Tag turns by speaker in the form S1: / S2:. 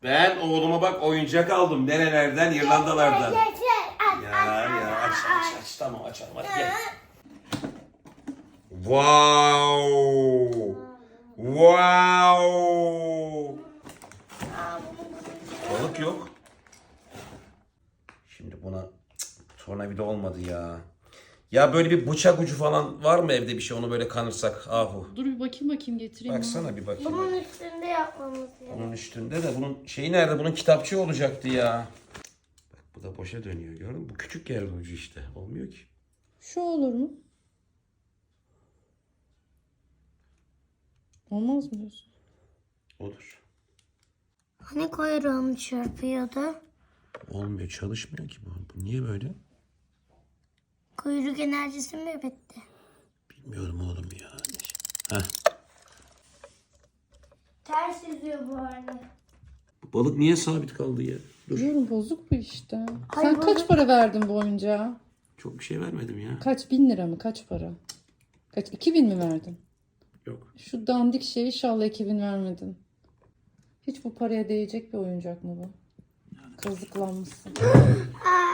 S1: Ben oğluma bak oyuncak aldım. Nerelerden? İrlandalardan. Ya aç. Tamam açalım hadi gel. Wow. Balık yok. Şimdi buna tornavida olmadı ya. Ya böyle bir bıçak ucu falan var mı evde bir şey onu böyle kanırsak ahu.
S2: Dur bir bakayım getireyim.
S1: Baksana bir bakayım.
S3: Bunun üstünde yapmamız gerekiyor.
S1: Bunun üstünde de bunun şeyi nerede? Bunun kitapçığı olacaktı ya. Bak bu da boşa dönüyor gördün mü? Bu küçük yer ucu işte. Olmuyor ki.
S2: Şu olur mu? Olmaz mı diyorsun?
S1: Olur.
S3: Hani kuyruğum çırpıyordu?
S1: Olmuyor çalışmıyor ki bu. Bu niye böyle?
S3: Kuyruk enerjisi mi bitti?
S1: Bilmiyorum oğlum ya. Heh.
S3: Ters yüzüyor bu arada.
S1: Bu balık niye sabit kaldı ya? Dur.
S2: Diyorum bozuk bu işte.
S3: Ay,
S2: Sen
S3: bozuk.
S2: kaç para verdin bu oyuncağa?
S1: Çok bir şey vermedim ya.
S2: Kaç 1000 lira mı? Kaç para? Kaç 2000 mi verdin?
S1: Yok.
S2: Şu dandik şey inşallah 2000 vermedin. Hiç bu paraya değecek bir oyuncak mı bu? Kazıklanmışsın.